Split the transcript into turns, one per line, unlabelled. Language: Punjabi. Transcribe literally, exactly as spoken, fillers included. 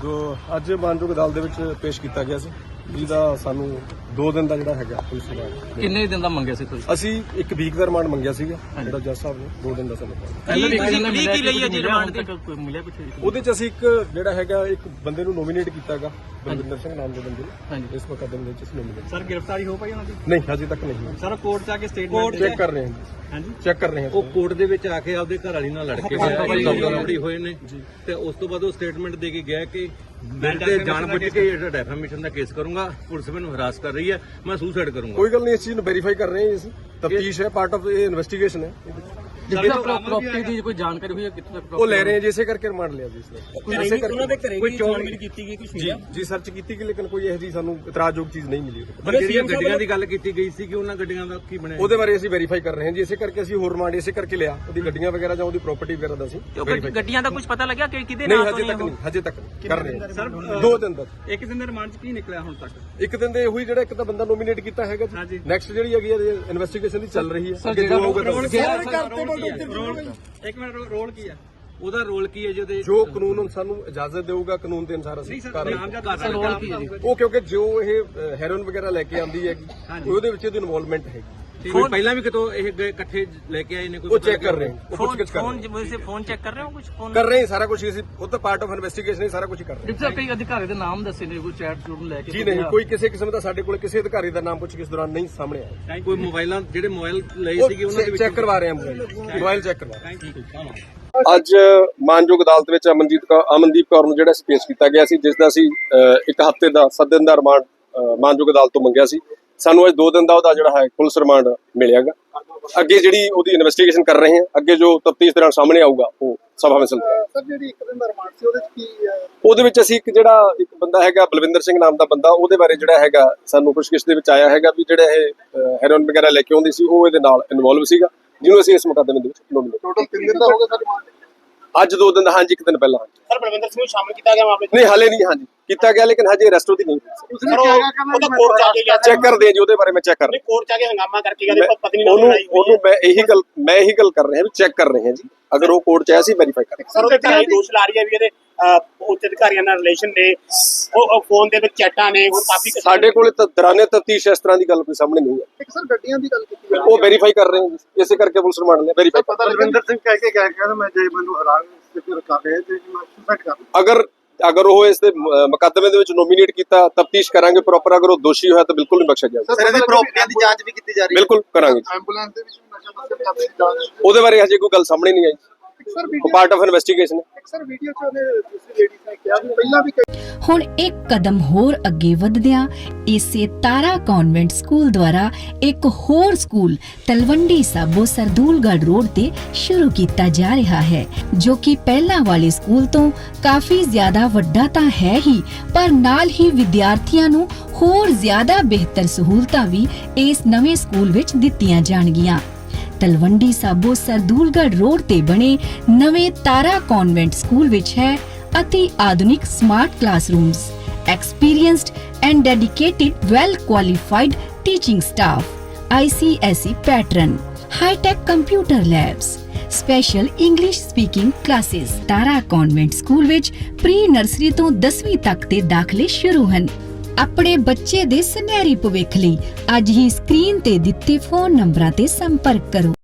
ਜੋ ਅੱਜ ਮਾਨਯੋਗ ਅਦਾਲਤ ਦੇ ਵਿੱਚ ਪੇਸ਼ ਕੀਤਾ ਗਿਆ ਸੀ, ਜਿਹਦਾ ਸਾਨੂੰ ਦੋ ਦਿਨ ਦਾ ਜਿਹੜਾ ਹੈਗਾ ਪੁਲਿਸ ਰਿਮਾਂਡ।
ਕਿੰਨੇ ਦਿਨ ਦਾ ਮੰਗਿਆ ਸੀ ਤੁਸੀਂ?
ਅਸੀਂ ਇੱਕ ਵੀਕ ਦਾ ਰਿਮਾਂਡ ਮੰਗਿਆ ਸੀਗਾ, ਜਿਹੜਾ ਜੱਜ ਸਾਹਿਬ ਨੇ ਦੋ ਦਿਨ ਦਾ ਸਾਨੂੰ
ਪਹਿਲਾਂ ਵੀ ਇੱਕ ਦਿਨ ਮਿਲਿਆ ਕਿ ਲਈ ਹੈ ਜੀ ਰਿਮਾਂਡ ਤੱਕ ਕੋਈ ਮਿਲਿਆ ਕੁਝ?
ਉਹਦੇ ਚ ਅਸੀਂ ਇੱਕ ਜਿਹੜਾ ਹੈਗਾ ਇੱਕ ਬੰਦੇ ਨੂੰ ਨੋਮੀਨੇਟ ਕੀਤਾਗਾ, ਬਲਵਿੰਦਰ ਸਿੰਘ ਨਾਮ ਦੇ ਬੰਦੇ ਨੂੰ। ਇਸ ਮੁਕੱਦਮੇ ਵਿੱਚ ਅਸੀਂ ਨੋਮੀਨੇਟ।
ਸਰ ਗ੍ਰਿਫਤਾਰੀ ਹੋ ਪਾਈ ਉਹਨਾਂ ਦੀ?
ਨਹੀਂ, ਹਜੇ ਤੱਕ ਨਹੀਂ।
ਸਰ ਕੋਰਟ ਚ ਆ ਕੇ ਸਟੇਟਮੈਂਟ
ਚੈੱਕ ਕਰ ਰਹੇ ਹਾਂ।
ਹਾਂਜੀ,
ਚੈੱਕ ਕਰ ਰਹੇ ਹਾਂ।
ਉਹ ਕੋਰਟ ਦੇ ਵਿੱਚ ਆ ਕੇ ਆਪਦੇ ਘਰ ਵਾਲੀ ਨਾਲ ਲੜ ਕੇ ਗਿਆ ਹੋਏ ਨੇ ਤੇ ਉਸ ਤੋਂ ਬਾਅਦ ਉਹ ਸਟੇਟਮੈਂਟ ਦੇ ਕੇ ਗਿਆ ਕਿ ਮੈਂ ਤੇ ਜਾਣਬੁੱਝ ਕੇ ਜਿਹੜਾ ਡੈਫਾਮੇਸ਼ਨ ਦਾ ਕੇਸ ਕਰੂੰਗਾ, ਪੁਲਿਸ ਮੈਨੂੰ ਹਰਾਸ ਕਰ ਰਹੀ ਹੈ, ਮੈਂ ਸੁਸਾਈਡ ਕਰੂੰਗਾ।
ਕੋਈ ਗੱਲ ਨਹੀਂ, ਇਸ ਚੀਜ਼ ਨੂੰ ਵੈਰੀਫਾਈ ਕਰ ਰਹੇ ਹਾਂ ਅਸੀਂ। ਤਫਤੀਸ਼ ਹੈ, ਪਾਰਟ ਆਫ ਇਹ ਇਨਵੈਸਟੀਗੇਸ਼ਨ ਹੈ।
ਪ੍ਰਾਪਰਟੀ ਦੀ ਕੋਈ ਜਾਣਕਾਰੀ ਹੋਈ ਹੈ ਕਿੱਥੇ ਤੱਕ?
ਉਹ ਲੈ ਰਹੇ ਹਾਂ ਜੀ, ਇਸੇ ਕਰਕੇ ਰਿਮਾਂਡ ਲਿਆ ਜੀ ਇਸ
ਕੋਈ ਉਹਨਾਂ ਦੇ ਘਰੇ ਕੋਈ ਚੋਣਵੀਰ ਕੀਤੀ ਗਈ ਕੁਝ
ਜੀ ਜੀ ਸਰਚ ਕੀਤੀ ਗਈ, ਲੇਕਿਨ ਕੋਈ ਇਹੋ ਜਿਹੀ ਸਾਨੂੰ ਇਤਰਾਜ਼ਯੋਗ ਚੀਜ਼ ਨਹੀਂ ਮਿਲੀ।
ਪਰ ਜਿਹੜੀਆਂ ਗੱਡੀਆਂ ਦੀ ਗੱਲ ਕੀਤੀ ਗਈ ਸੀ ਕਿ ਉਹਨਾਂ ਗੱਡੀਆਂ ਦਾ ਕੀ ਬਣਿਆ,
ਉਹਦੇ ਬਾਰੇ ਅਸੀਂ ਵੈਰੀਫਾਈ ਕਰ ਰਹੇ ਹਾਂ ਜੀ। ਇਸੇ ਕਰਕੇ ਅਸੀਂ ਹੋਰ ਰਿਮਾਂਡ ਇਸੇ ਕਰਕੇ ਲਿਆ, ਉਹਦੀ ਗੱਡੀਆਂ ਵਗੈਰਾ ਜਾਂ ਉਹਦੀ ਪ੍ਰਾਪਰਟੀ ਵਗੈਰਾ ਦਾ ਅਸੀਂ
ਗੱਡੀਆਂ ਦਾ ਕੁਝ ਪਤਾ ਲੱਗਿਆ ਕਿ ਕਿਹਦੇ
ਨਹੀਂ,
ਨਾਮ
ਹਜੇ ਤੱਕ ਨਹੀਂ, ਹਜੇ ਤੱਕ ਕਰ ਰਹੇ ਹਾਂ। ਦੋ ਦਿਨ ਤੱਕ
ਇੱਕ ਦਿਨ ਦੇ ਰਿਮਾਂਡ ਚ ਕੀ ਨਿਕਲਿਆ ਹੁਣ ਤੱਕ?
ਇੱਕ ਦਿਨ ਦੇ ਉਹੀ ਜਿਹੜਾ ਇੱਕ ਤਾਂ ਬੰਦਾ ਨੋਮੀਨੇਟ ਕੀਤਾ ਹੈਗਾ ਜੀ। ਨੈਕਸਟ ਜਿਹੜੀ ਹੈਗੀ ਹੈ ਇਨਵੈਸਟੀਗੇਸ਼ਨ ਦੀ ਚੱਲ ਰਹੀ ਹੈ, ਅੱਗੇ ਜੋ ਹੋਊਗਾ
ਇੱਕ ਮਿੰਟ, ਰੋਲ ਕੀ ਹੈ
ਉਹਦਾ ਰੋਲ ਕੀ ਹੈ ਜੀ ਉਹਦੇ?
ਜੋ ਕਾਨੂੰਨ ਸਾਨੂੰ ਇਜਾਜ਼ਤ ਦੇਊਗਾ, ਕਾਨੂੰਨ ਦੇ ਅਨੁਸਾਰ ਅਸੀਂ ਕਰ ਰਹੇ ਹਾਂ।
ਰੋਲ ਕੀ ਹੈ ਜੀ?
ਉਹ ਕਿਉਂਕਿ ਜੋ ਇਹ ਹੈਰੋਇਨ ਵਗੈਰਾ ਲੈ ਕੇ ਆਉਂਦੀ ਹੈਗੀ, ਉਹਦੇ ਵਿੱਚ ਇਹਦੀ ਇਨਵੋਲਵਮੈਂਟ ਹੈਗੀ।
ਕੋਈ ਪਹਿਲਾਂ ਵੀ ਕਿਤੋਂ ਇਹ ਗਏ ਇਕੱਠੇ ਲੈ ਕੇ ਆਏ ਨੇ? ਕੋਈ
ਉਹ ਚੈੱਕ ਕਰ ਰਹੇ ਹਾਂ, ਉਹ ਪੁੱਛ ਗਿੱਛ ਕਰ ਰਹੇ
ਫੋਨ ਵੈਸੇ ਫੋਨ ਚੈੱਕ ਕਰ ਰਹੇ ਹੋ ਕੁਝ? ਫੋਨ
ਕਰ ਰਹੇ ਹਾਂ, ਸਾਰਾ ਕੁਝ ਅਸੀਂ ਉਹ ਤਾਂ ਪਾਰਟ ਆਫ ਇਨਵੈਸਟੀਗੇਸ਼ਨ ਹੈ, ਸਾਰਾ ਕੁਝ ਕਰ ਰਹੇ
ਜਿੱਥੇ ਕਈ ਅਧਿਕਾਰੀ ਦੇ ਨਾਮ ਦੱਸੇ ਨੇ, ਕੋਈ ਚੈਟ ਚੂਟ ਲੈ ਕੇ?
ਜੀ ਨਹੀਂ, ਕੋਈ ਕਿਸੇ ਕਿਸਮ ਦਾ ਸਾਡੇ ਕੋਲ ਕਿਸੇ ਅਧਿਕਾਰੀ ਦਾ ਨਾਮ ਪੁੱਛ ਕਿਸ ਦੌਰਾਨ ਨਹੀਂ ਸਾਹਮਣੇ ਆਇਆ।
ਕੋਈ ਮੋਬਾਈਲਾਂ ਜਿਹੜੇ ਮੋਬਾਈਲ ਲਏ ਸੀਗੇ ਉਹਨਾਂ ਦੇ
ਉਹ
ਵਿੱਚ
ਚੈੱਕ ਕਰਵਾ ਰਹੇ ਹਾਂ, ਮੋਬਾਈਲ ਮੋਬਾਈਲ ਚੈੱਕ ਕਰਵਾ ਰਹੇ ਹਾਂ। ਅੱਜ ਮਾਨਯੋਗ ਅਦਾਲਤ ਵਿੱਚ ਅਮਨਜੀਤ ਕੌਰ ਅਮਨਦੀਪ ਕੌਰ ਨੂੰ ਜਿਹੜਾ ਪੇਸ਼ ਕੀਤਾ ਗਿਆ ਸੀ, ਜਿਸ ਦਾ ਅਸੀਂ ਇੱਕ ਹਫ਼ਤੇ ਦਾ ਸੱਤ ਦਿਨ ਦਾ ਰਿਮਾਂਡ ਮਾਨਯੋਗ ਅਦਾਲਤ ਤੋਂ ਮੰਗਿਆ ਸੀ। ਸਾਨੂੰ ਅੱਜ ਦੋ ਦਿਨ ਦਾ ਉਹਦਾ ਜਿਹੜਾ ਹੈ ਪੁਲਿਸ ਰਿਮਾਂਡ ਮਿਲਿਆਗਾ। ਅੱਗੇ ਜਿਹੜੀ ਉਹਦੀ ਇਨਵੈਸਟੀਗੇਸ਼ਨ ਕਰ ਰਹੇ ਹਾਂ, ਅੱਗੇ ਜੋ ਤਫਤੀਸ਼ ਦੌਰਾਨ ਸਾਹਮਣੇ ਆਊਗਾ ਉਹ ਸਭਾ ਵਿੱਚ
ਸਰ ਜਿਹੜੀ ਇੱਕ ਦਿਨ ਦਾ ਰਿਮਾਂਡ ਸੀ ਉਹਦੇ ਵਿੱਚ ਕੀ ਹੈ?
ਉਹਦੇ ਵਿੱਚ ਅਸੀਂ ਇੱਕ ਜਿਹੜਾ ਇੱਕ ਬੰਦਾ ਹੈਗਾ ਬਲਵਿੰਦਰ ਸਿੰਘ ਨਾਮ ਦਾ ਬੰਦਾ, ਉਹਦੇ ਬਾਰੇ ਜਿਹੜਾ ਹੈਗਾ ਸਾਨੂੰ ਪੁੱਛਗਿੱਛ ਦੇ ਵਿੱਚ ਆਇਆ ਹੈਗਾ ਵੀ ਜਿਹੜਾ ਇਹ ਹੈਰੋਇਨ ਵਗੈਰਾ ਲੈ ਕੇ ਆਉਂਦੀ ਸੀ, ਉਹ ਇਹਦੇ ਨਾਲ ਇਨਵੋਲਵ ਸੀਗਾ, ਜਿਹਨੂੰ ਅਸੀਂ ਇਸ ਮੁਕੱਦਮੇ ਦੇ ਵਿੱਚ ਨੋਮੀਨੇਟ।
ਟੋਟਲ ਤਿੰਨ ਦਿਨ ਦਾ ਹੋ ਗਿਆ ਸਰ ਰਿਮਾਂਡ?
ਅੱਜ ਦੋ ਦਿਨ ਦਾ, ਹਾਂਜੀ ਇੱਕ ਦਿਨ ਪਹਿਲਾਂ।
ਸਰ ਬਲਵਿੰਦਰ ਸਿੰਘ ਨੂੰ ਸ਼ਾਮਲ ਕੀਤਾ ਗਿਆ ਮਾਮਲੇ 'ਚ?
ਨਹੀਂ, ਹਾਲੇ ਨਹੀਂ, ਹਾਂਜੀ ਕੀਤਾ ਗਿਆ, ਲੇਕਿਨ ਹਜੇ ਅਰੈਸਟ ਉਹਦੀ ਨਹੀਂ ਹੋਈ।
ਉਸਨੇ ਕਿਹਾ ਕਿ ਉਹ ਤਾਂ ਕੋਰਟ ਜਾ ਕੇ ਗਿਆ,
ਚੈੱਕ ਕਰਦੇ ਜੀ, ਉਹਦੇ ਬਾਰੇ ਮੈਂ ਚੈੱਕ ਕਰ ਰਿਹਾ।
ਕੋਰਟ ਜਾ ਕੇ ਹੰਗਾਮਾ ਕਰਕੇ ਗਿਆ ਤੇ ਪਤਨੀ ਨਾਲ
ਉਹਨੂੰ
ਲੜਾਈ ਹੋਈ।
ਉਹਨੂੰ ਮੈਂ ਇਹੀ ਗੱਲ ਮੈਂ ਇਹੀ ਗੱਲ ਕਰ ਰਿਹਾ ਵੀ ਚੈੱਕ ਕਰ ਰਹੇ ਹਾਂ ਜੀ, ਅਗਰ ਉਹ ਕੋਰਟ 'ਚ ਆਇਆ ਸੀ ਵੈਰੀਫਾਈ ਕਰ ਰਹੇ
ਸਰ ਉਹਦੇ ਘਰ ਦੋਸ਼ ਲਾ ਰਹੀ ਹੈ ਵੀ ਇਹਦੇ ਉੱਚ ਅਧਿਕਾਰੀਆਂ ਨਾਲ ਰਿਲੇਸ਼ਨ ਨੇ, ਉਹ ਫੋਨ ਦੇ ਵਿੱਚ ਚੈਟਾਂ ਨੇ, ਉਹ ਕਾਫੀ
ਸਾਡੇ ਕੋਲ ਤਾਂ ਦੌਰਾਨੇ ਤਫਤੀਸ਼ ਇਸ ਤਰ੍ਹਾਂ ਦੀ ਗੱਲ ਕੋਈ ਸਾਹਮਣੇ ਨਹੀਂ ਹੈ।
ਇੱਕ ਸਰ ਗੱਡੀਆਂ ਦੀ ਗੱਲ ਕੀਤੀ
ਉਹ ਵੈਰੀਫਾਈ ਕਰ ਰਹੇ ਹਾਂ, ਇਸੇ ਕਰਕੇ ਪੁਲਿਸ ਰਿਮਾਂਡ ਲਿਆ, ਵੈਰੀਫਾਈ।
ਪਤਾ ਬਲਵਿੰਦਰ ਸਿੰਘ ਕਹਿ ਕੇ ਗਿਆ ਕਿ ਮੈਂ ਜੇ ਮੈਨੂੰ ਹਰਾਨ ਕਰ ਰਿਹਾ ਤੇ ਮੈਂ ਸੁਸਾਈਡ ਕਰ ਲਵਾਂ।
ਅਗਰ ਅਗਰ ਉਹ ਇਸ ਦੇ ਮੁਕੱਦਮੇ ਦੇ ਵਿੱਚ ਨੋਮੀਨੇਟ ਕੀਤਾ, ਤਫਤੀਸ਼ ਕਰਾਂਗੇ ਪ੍ਰੋਪਰ। ਅਗਰ ਉਹ ਦੋਸ਼ੀ ਹੋਇਆ ਤਾਂ ਬਿਲਕੁਲ ਨਹੀਂ ਬਖਸ਼ਿਆ ਜਾਏਗਾ।
ਸਰ ਇਹਦੀ ਪ੍ਰਾਪਰਟੀਆਂ ਦੀ ਜਾਂਚ ਵੀ ਕੀਤੀ ਜਾ ਰਹੀ ਹੈ?
ਬਿਲਕੁਲ ਕਰਾਂਗੇ।
ਐਂਬੂਲੈਂਸ ਦੇ ਵਿੱਚ ਨਸ਼ਾ ਤਸਕਰੀ ਦੀ ਜਾਂਚ,
ਉਹਦੇ ਬਾਰੇ ਹਜੇ ਕੋਈ ਗੱਲ ਸਾਹਮਣੇ ਨਹੀਂ ਆਈ।
ਸਰ
ਉਹ ਪਾਰਟ ਆਫ ਇਨਵੈਸਟੀਗੇਸ਼ਨ ਹੈ।
ਸਰ ਵੀਡੀਓ 'ਚ ਉਹਨੇ ਦੂਸਰੀ ਲੇਡੀ ਨੇ ਕਿਹਾ ਵੀ ਪਹਿਲਾਂ ਵੀ
ਹੁਣ ਇੱਕ ਕਦਮ ਹੋਰ ਅੱਗੇ ਵਧਦਿਆਂ ਇਸੇ ਤਾਰਾ ਕਨਵੈਂਟ ਸਕੂਲ ਦੁਆਰਾ ਇੱਕ ਹੋਰ ਸਕੂਲ ਤਲਵੰਡੀ ਸਾਬੋ ਸਰਦੂਲਗੜ੍ਹ ਰੋਡ ਤੇ ਸ਼ੁਰੂ ਕੀਤਾ ਜਾ ਰਿਹਾ ਹੈ, ਜੋ ਕਿ ਪਹਿਲਾਂ ਵਾਲੇ ਸਕੂਲ ਤੋਂ ਕਾਫੀ ਜ਼ਿਆਦਾ ਵੱਡਾ ਤਾਂ ਹੈ ਹੀ, ਪਰ ਨਾਲ ਹੀ ਵਿਦਿਆਰਥੀਆਂ ਨੂੰ ਹੋਰ ਜ਼ਿਆਦਾ ਬਿਹਤਰ ਸਹੂਲਤਾਂ ਵੀ ਇਸ ਨਵੇਂ ਸਕੂਲ ਵਿੱਚ ਦਿੱਤੀਆਂ ਜਾਣਗੀਆਂ। ਤਲਵੰਡੀ ਸਾਬੋ ਸਰਦੂਲਗੜ੍ਹ ਰੋਡ ਤੇ ਬਣੇ ਨਵੇਂ ਤਾਰਾ ਕਨਵੈਂਟ ਸਕੂਲ ਵਿੱਚ ਹੈ ਅਤੀ ਆਧੁਨਿਕ smart classrooms, experienced and dedicated well qualified teaching staff, I C S E pattern, high tech computer labs, special English speaking classes। Tara convent school ਵਿੱਚ ਪ੍ਰੀ ਨਰਸਰੀ ਤੋਂ ਦਸਵੀਂ ਤੱਕ ਦੇ ਦਾਖਲੇ ਸ਼ੁਰੂ ਹਨ। ਆਪਣੇ ਬੱਚੇ ਦੇ ਸੁਨਹਿਰੀ ਭਵਿੱਖ ਲਈ ਅੱਜ ਹੀ ਸਕਰੀਨ ਤੇ ਦਿੱਤੇ ਫੋਨ ਨੰਬਰਾਂ ਤੇ ਸੰਪਰਕ ਕਰੋ।